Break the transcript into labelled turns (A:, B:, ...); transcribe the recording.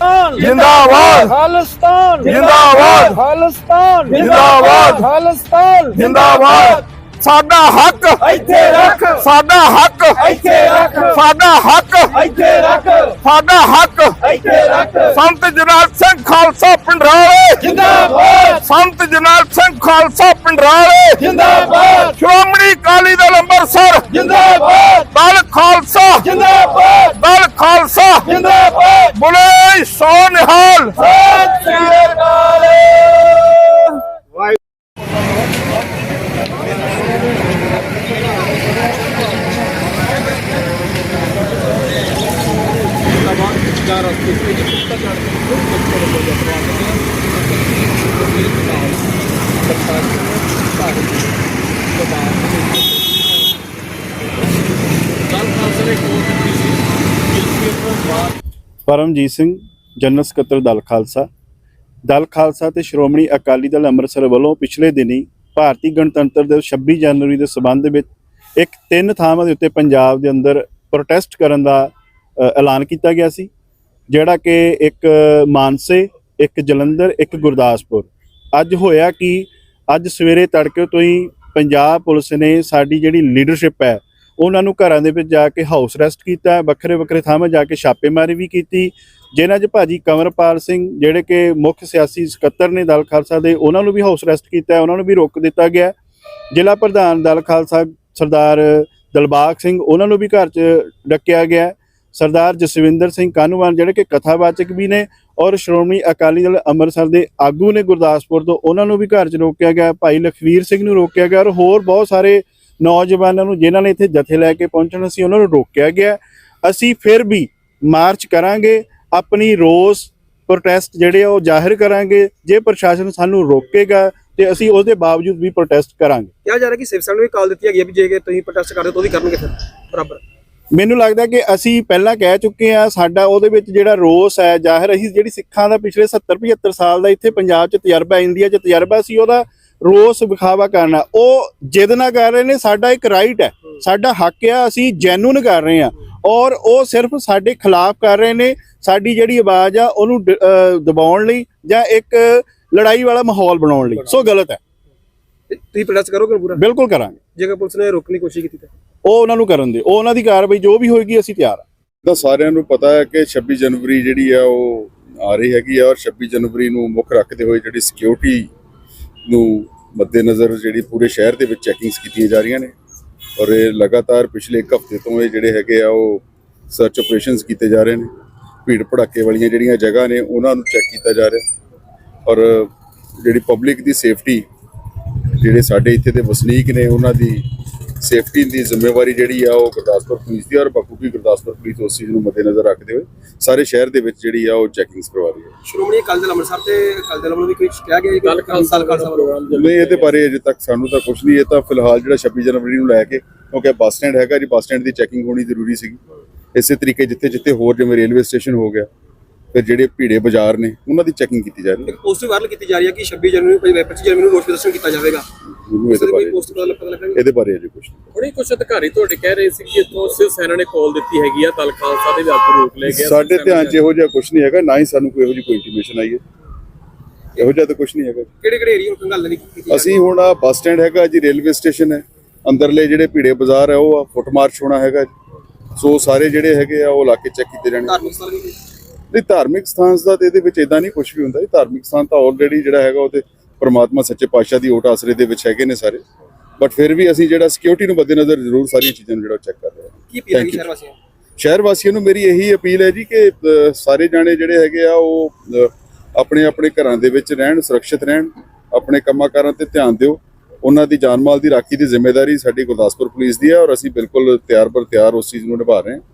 A: जिंदाबाद
B: खालिस्तान
A: जिंदाबाद
B: खालिस्तान
A: जिंदाबाद
B: खालिस्तान
A: जिंदाबाद साडा हक
B: ਇੱਥੇ ਰੱਖ
A: साडा हक
B: ਇੱਥੇ ਰੱਖ
A: साडा हक
B: ਇੱਥੇ ਰੱਖ
A: साडा हक
B: ਇੱਥੇ ਰੱਖ
A: संत जरनैल सिंह खालसा पिंडराले
B: जिंदाबाद
A: संत जरनैल सिंह खालसा पिंडराले
B: जिंदाबाद
A: श्रोमणी अकाली दल अंमृतसर
B: जिंदाबाद
A: दल खालसा
B: जिंदाबाद
A: दल खालसा
B: जिंदाबाद
A: बोले सो निहाल
B: सत श्री अकाल।
C: ਪਰਮਜੀਤ ਸਿੰਘ ਜਨਰਲ ਸਕੱਤਰ ਦਲ ਖਾਲਸਾ ਤੇ ਸ਼੍ਰੋਮਣੀ ਅਕਾਲੀ ਦਲ ਅੰਮ੍ਰਿਤਸਰ ਵੱਲੋਂ ਪਿਛਲੇ ਦਿਨੀ ਭਾਰਤੀ ਗਣਤੰਤਰ ਦਿਵਸ 26 ਜਨਵਰੀ ਦੇ ਸਬੰਧ ਵਿੱਚ ਇੱਕ 3 ਥਾਵਾਂ ਦੇ ਉੱਤੇ ਪੰਜਾਬ ਦੇ ਅੰਦਰ ਪ੍ਰੋਟੈਸਟ ਕਰਨ ਦਾ ਐਲਾਨ ਕੀਤਾ ਗਿਆ ਸੀ, ਜਿਹੜਾ ਕਿ ਇੱਕ ਮਾਨਸੇ, ਇੱਕ ਜਲੰਧਰ, ਇੱਕ ਗੁਰਦਾਸਪੁਰ। ਅੱਜ ਹੋਇਆ ਕਿ ਅੱਜ ਸਵੇਰੇ ਤੜਕੇ ਤੋਂ ਹੀ ਪੰਜਾਬ ਪੁਲਿਸ ਨੇ ਸਾਡੀ ਜਿਹੜੀ ਲੀਡਰਸ਼ਿਪ ਹੈ ਉਹਨਾਂ ਨੂੰ ਘਰਾਂ ਦੇ ਵਿੱਚ ਜਾ ਕੇ ਹਾਊਸ ਅਰੈਸਟ ਕੀਤਾ, ਵੱਖਰੇ ਵੱਖਰੇ ਥਾਵਾਂ ਜਾ ਕੇ ਛਾਪੇਮਾਰੀ ਵੀ ਕੀਤੀ, ਜਿਨ੍ਹਾਂ 'ਚ ਭਾਜੀ ਕੰਵਰਪਾਲ ਸਿੰਘ ਜਿਹੜੇ ਕਿ ਮੁੱਖ ਸਿਆਸੀ ਸਕੱਤਰ ਨੇ ਦਲ ਖਾਲਸਾ ਦੇ, ਉਹਨਾਂ ਨੂੰ ਵੀ ਹਾਊਸ ਅਰੈਸਟ ਕੀਤਾ, ਉਹਨਾਂ ਨੂੰ ਵੀ ਰੋਕ ਦਿੱਤਾ ਗਿਆ। ਜ਼ਿਲ੍ਹਾ ਪ੍ਰਧਾਨ ਦਲ ਖਾਲਸਾ ਸਰਦਾਰ ਦਿਲਬਾਗ ਸਿੰਘ, ਉਹਨਾਂ ਨੂੰ ਵੀ ਘਰ 'ਚ ਡੱਕਿਆ ਗਿਆ। ਸਰਦਾਰ ਜਸਵਿੰਦਰ ਸਿੰਘ ਕਾਹਨੂੰਵਾਨ ਜਿਹੜੇ ਕਿ ਕਥਾਵਾਚਕ ਵੀ ਨੇ ਔਰ ਸ਼੍ਰੋਮਣੀ ਅਕਾਲੀ ਦਲ ਅੰਮ੍ਰਿਤਸਰ ਦੇ ਆਗੂ ਨੇ ਗੁਰਦਾਸਪੁਰ ਤੋਂ, ਉਹਨਾਂ ਨੂੰ ਵੀ ਘਰ 'ਚ ਰੋਕਿਆ ਗਿਆ। ਭਾਈ ਲਖਵੀਰ ਸਿੰਘ ਨੂੰ ਰੋਕਿਆ ਗਿਆ ਔਰ ਹੋਰ ਬਹੁਤ ਸਾਰੇ ਨੌਜਵਾਨਾਂ ਨੂੰ ਜਿਨ੍ਹਾਂ ਨੇ ਇੱਥੇ ਜਥੇ ਲੈ ਕੇ ਪਹੁੰਚਣਾ ਸੀ ਉਹਨਾਂ ਨੂੰ ਰੋਕਿਆ ਗਿਆ। ਅਸੀਂ ਫਿਰ ਵੀ ਮਾਰਚ ਕਰਾਂਗੇ, ਆਪਣੀ ਰੋਸ ਪ੍ਰੋਟੈਸਟ ਜਿਹੜੇ ਆ ਉਹ ਜ਼ਾਹਿਰ ਕਰਾਂਗੇ। ਜੇ ਪ੍ਰਸ਼ਾਸਨ ਸਾਨੂੰ ਰੋਕੇਗਾ ਤੇ ਅਸੀਂ ਉਹਦੇ ਬਾਵਜੂਦ ਵੀ ਪ੍ਰੋਟੈਸਟ ਕਰਾਂਗੇ।
D: ਕਿਹਾ ਜਾ ਰਿਹਾ ਕਿ ਸਿਵ ਸੈਨਾ ਨੂੰ ਵੀ ਕਾਲ ਦਿੱਤੀ ਹੈਗੀ ਹੈ ਵੀ ਜੇ ਤੁਸੀਂ ਪ੍ਰੋਟੈਸਟ ਕਰਦੇ ਹੋ ਤਾਂ ਉਹ ਵੀ ਕਰਨਗੇ ਫਿਰ ਬਰਾਬਰ।
C: ਮੈਨੂੰ ਲੱਗਦਾ ਕਿ ਅਸੀਂ ਪਹਿਲਾਂ ਕਹਿ ਚੁੱਕੇ ਹਾਂ, ਸਾਡਾ ਉਹਦੇ ਵਿੱਚ ਜਿਹੜਾ ਰੋਸ ਹੈ ਜ਼ਾਹਿਰ, ਅਸੀਂ ਜਿਹੜੀ ਸਿੱਖਾਂ ਦਾ ਪਿਛਲੇ 70-75 ਸਾਲ ਦਾ ਇੱਥੇ ਪੰਜਾਬ 'ਚ ਤਜਰਬਾ, ਇੰਡੀਆ 'ਚ ਤਜਰਬਾ ਸੀ, ਉਹਦਾ ਰੋਸ ਵਿਖਾਵਾ ਕਰਨਾ, ਉਹ ਜਿੱਦ ਨਾ ਕਰ ਰਹੇ ਨੇ। ਸਾਡਾ ਇੱਕ ਰਾਈਟ ਹੈ, ਸਾਡਾ ਹੱਕ ਆ, ਅਸੀਂ ਜੈਨੂਨ ਕਰ ਰਹੇ ਹਾਂ ਔਰ ਉਹ ਸਿਰਫ ਸਾਡੇ ਖਿਲਾਫ ਕਰ ਰਹੇ ਨੇ। ਸਾਡੀ ਜਿਹੜੀ ਆਵਾਜ਼ ਆ ਉਹਨੂੰ ਦਬਾਉਣ ਲਈ ਜਾਂ ਇੱਕ ਲੜਾਈ ਵਾਲਾ ਮਾਹੌਲ ਬਣਾਉਣ ਲਈ, ਸੋ ਗਲਤ ਹੈ।
D: ਤੁਸੀਂ ਪ੍ਰੋਟੈਸਟ ਕਰੋਗੇ ਪੂਰਾ?
C: ਬਿਲਕੁਲ ਕਰਾਂਗੇ।
D: ਜੇਕਰ ਪੁਲਿਸ ਨੇ ਰੋਕਣ ਦੀ ਕੋਸ਼ਿਸ਼ ਕੀਤੀ ਤਾਂ
C: ਉਹ ਉਹਨਾਂ ਨੂੰ ਕਰਨ ਦੇ, ਉਹ ਉਹਨਾਂ ਦੀ ਕਾਰਵਾਈ ਜੋ ਵੀ ਹੋਏਗੀ ਅਸੀਂ ਤਿਆਰ ਹਾਂ।
E: ਤਾਂ ਸਾਰਿਆਂ ਨੂੰ ਪਤਾ ਹੈ ਕਿ 26 ਜਨਵਰੀ ਜਿਹੜੀ ਆ ਉਹ ਆ ਰਹੀ ਹੈਗੀ ਆ ਔਰ 26 ਜਨਵਰੀ ਨੂੰ ਮੁੱਖ ਰੱਖਦੇ ਹੋਏ ਜਿਹੜੀ ਸਿਕਿਉਰਿਟੀ ਨੂੰ ਮੱਦੇਨਜ਼ਰ ਜਿਹੜੀ ਪੂਰੇ ਸ਼ਹਿਰ ਦੇ ਵਿੱਚ ਚੈਕਿੰਗਸ ਕੀਤੀਆਂ ਜਾ ਰਹੀਆਂ ਨੇ ਔਰ ਇਹ ਲਗਾਤਾਰ ਪਿਛਲੇ ਇੱਕ ਹਫ਼ਤੇ ਤੋਂ ਇਹ ਜਿਹੜੇ ਹੈਗੇ ਆ ਉਹ ਸਰਚ ਆਪਰੇਸ਼ਨਸ ਕੀਤੇ ਜਾ ਰਹੇ ਨੇ। ਭੀੜ ਭੜੱਕੇ ਵਾਲੀਆਂ ਜਿਹੜੀਆਂ ਜਗ੍ਹਾ ਨੇ ਉਹਨਾਂ ਨੂੰ ਚੈੱਕ ਕੀਤਾ ਜਾ ਰਿਹਾ ਔਰ ਜਿਹੜੀ ਪਬਲਿਕ ਦੀ ਸੇਫਟੀ, ਜਿਹੜੇ ਸਾਡੇ ਇੱਥੇ ਦੇ ਵਸਨੀਕ ਨੇ ਉਹਨਾਂ ਦੀ ਸੇਫਟੀ ਦੀ ਜ਼ਿੰਮੇਵਾਰੀ ਜਿਹੜੀ ਆ ਉਹ ਗੁਰਦਾਸਪੁਰ ਪੁਲਿਸ ਦੀ ਔਰ ਬਾਕੀ ਗੁਰਦਾਸਪੁਰ ਪੁਲਿਸ ਉਸ ਚੀਜ਼ ਨੂੰ ਮੱਦੇਨਜ਼ਰ ਰੱਖਦੇ ਹੋਏ ਸਾਰੇ ਸ਼ਹਿਰ ਦੇ ਵਿੱਚ ਜਿਹੜੀ ਆ ਉਹ ਚੈਕਿੰਗਸ ਕਰਵਾ ਰਹੀ ਹੈ।
D: ਸ਼੍ਰੋਮਣੀ ਅਕਾਲੀ ਦਲ ਅੰਮ੍ਰਿਤਸਰ ਤੇ ਅਕਾਲੀ ਦਲ ਵੱਲੋਂ ਵੀ ਕੁਝ ਕਿਹਾ ਗਿਆ ਹੈ ਕਿ ਖਾਲਸਾ ਪ੍ਰੋਗਰਾਮ
E: ਨਹੀਂ, ਇਹਦੇ ਬਾਰੇ ਅਜੇ ਤੱਕ ਸਾਨੂੰ ਤਾਂ ਕੁਝ ਨਹੀਂ। ਇਹ ਤਾਂ ਫਿਲਹਾਲ ਜਿਹੜਾ 26 ਜਨਵਰੀ ਨੂੰ ਲੈ ਕੇ, ਕਿਉਂਕਿ ਬੱਸ ਸਟੈਂਡ ਹੈਗਾ ਜੀ, ਬੱਸ ਸਟੈਂਡ ਦੀ ਚੈਕਿੰਗ ਹੋਣੀ ਜ਼ਰੂਰੀ ਸੀਗੀ। ਇਸੇ ਤਰੀਕੇ ਜਿੱਥੇ ਹੋਰ ਜਿਵੇਂ ਰੇਲਵੇ ਸਟੇਸ਼ਨ ਹੋ ਗਿਆ, ਫਿਰ ਜਿਹੜੇ ਭੀੜੇ ਬਾਜ਼ਾਰ ਨੇ ਉਹਨਾਂ ਦੀ ਚੈਕਿੰਗ ਕੀਤੀ ਜਾ ਰਹੀ ਹੈ।
D: ਪੋਸਟ ਵਾਇਰਲ ਕੀਤੀ ਜਾ ਰਹੀ ਹੈ ਕਿ 26 ਜਨਵਰੀ 25 ਜਨਵਰੀ ਨੂੰ ਰੋਸ ਪ੍ਰਦਰਸ਼ਨ ਕੀਤਾ ਜਾਵੇਗਾ।
E: ਇਹਦੇ ਬਾਰੇ ਅਜੇ ਕੁਝ ਨਹੀਂ।
F: ਹੁਣੇ ਕੁਝ ਅਧਿਕਾਰੀ ਤੁਹਾਡੇ ਕਹਿ ਰਹੇ ਸੀ ਕਿ ਇੱਥੋਂ ਸਿਵ ਸੈਨਾ ਨੇ ਕਾਲ ਦਿੱਤੀ ਹੈਗੀ ਆ, ਦਲ ਖਾਲਸਾ ਦੇ ਵੀ ਆਗੂ ਰੋਕ ਲਏ ਗਏ।
E: ਸਾਡੇ ਧਿਆਨ 'ਚ ਇਹੋ ਜਿਹਾ ਕੁਝ ਨਹੀਂ ਹੈਗਾ, ਨਾ ਹੀ ਸਾਨੂੰ ਕੋਈ ਇਹੋ ਜਿਹੀ ਕੋਈ ਇੰਟੀਮੇਸ਼ਨ ਆਈ ਹੈ। ਇਹੋ ਜਿਹਾ ਤਾਂ ਕੁਝ ਨਹੀਂ ਹੈਗਾ।
D: ਕਿਹੜੇ ਏਰੀਆ ਨੂੰ ਗੱਲ ਨਹੀਂ ਕੀਤੀ?
E: ਅਸੀਂ ਹੁਣ ਆ ਬੱਸ ਸਟੈਂਡ ਹੈਗਾ ਜੀ, ਰੇਲਵੇ ਸਟੇਸ਼ਨ ਹੈ, ਅੰਦਰਲੇ ਜਿਹੜੇ ਭੀੜੇ ਬਾਜ਼ਾਰ ਹੈ ਉਹ ਫੁੱਟ ਮਾਰਚ ਹੋਣਾ ਹੈਗਾ। ਸੋ ਸਾਰੇ ਜਿਹੜੇ ਹੈਗੇ ਆ ਉਹ ਇਲਾਕੇ ਚੈੱਕ ਕੀਤੇ ਜਾਣਗੇ।
D: ਧਾਰਮਿਕ ਸਥਾਨ ਵੀ
E: ਨਹੀਂ, ਧਾਰਮਿਕ ਸਥਾਨ ਦਾ ਤੇ ਇਹਦੇ ਵਿੱਚ ਇਦਾਂ ਨਹੀਂ ਕੁਝ ਵੀ ਹੁੰਦਾ। ਧਾਰਮਿਕ ਸਥਾਨ ਤਾਂ ਆਲਰੇਡੀ ਜਿਹੜਾ ਹੈਗਾ ਉਹ ਤੇ ਪਰਮਾਤਮਾ ਸੱਚੇ ਪਾਤਸ਼ਾਹ ਦੀ ਓਟ ਆਸਰੇ ਦੇ ਵਿੱਚ ਹੈਗੇ ਨੇ ਸਾਰੇ, ਬਟ ਫਿਰ ਵੀ ਅਸੀਂ ਜਿਹੜਾ ਸਿਕਿਉਰਿਟੀ ਨੂੰ ਮੱਦੇਨਜ਼ਰ ਜ਼ਰੂਰ ਸਾਰੀਆਂ ਚੀਜ਼ਾਂ ਨੂੰ ਜਿਹੜਾ ਚੈੱਕ ਕਰ ਰਹੇ ਹਾਂ।
D: ਕੀ ਅਪੀਲ ਹੈ ਸ਼ਹਿਰ ਵਾਸੀਆਂ ਨੂੰ?
E: ਸ਼ਹਿਰ ਵਾਸੀਆਂ ਨੂੰ ਮੇਰੀ ਇਹੀ ਅਪੀਲ ਹੈ ਜੀ ਕਿ ਸਾਰੇ ਜਾਣੇ ਜਿਹੜੇ ਹੈਗੇ ਆ ਉਹ ਆਪਣੇ ਆਪਣੇ ਘਰਾਂ ਦੇ ਵਿੱਚ ਰਹਿਣ, ਸੁਰੱਖਿਅਤ ਰਹਿਣ, ਆਪਣੇ ਕੰਮਾਂ ਕਾਰਾਂ ਤੇ ਧਿਆਨ ਦਿਓ। ਉਹਨਾਂ ਦੀ ਜਾਨ ਮਾਲ ਦੀ ਰਾਖੀ ਦੀ ਜ਼ਿੰਮੇਵਾਰੀ ਸਾਡੀ ਗੁਰਦਾਸਪੁਰ ਪੁਲਿਸ ਦੀ ਹੈ ਔਰ ਅਸੀਂ ਬਿਲਕੁਲ ਤਿਆਰ ਬਰ ਤਿਆਰ ਉਸ ਚੀਜ਼ ਨੂੰ ਨਿਭਾ ਰਹੇ ਹਾਂ।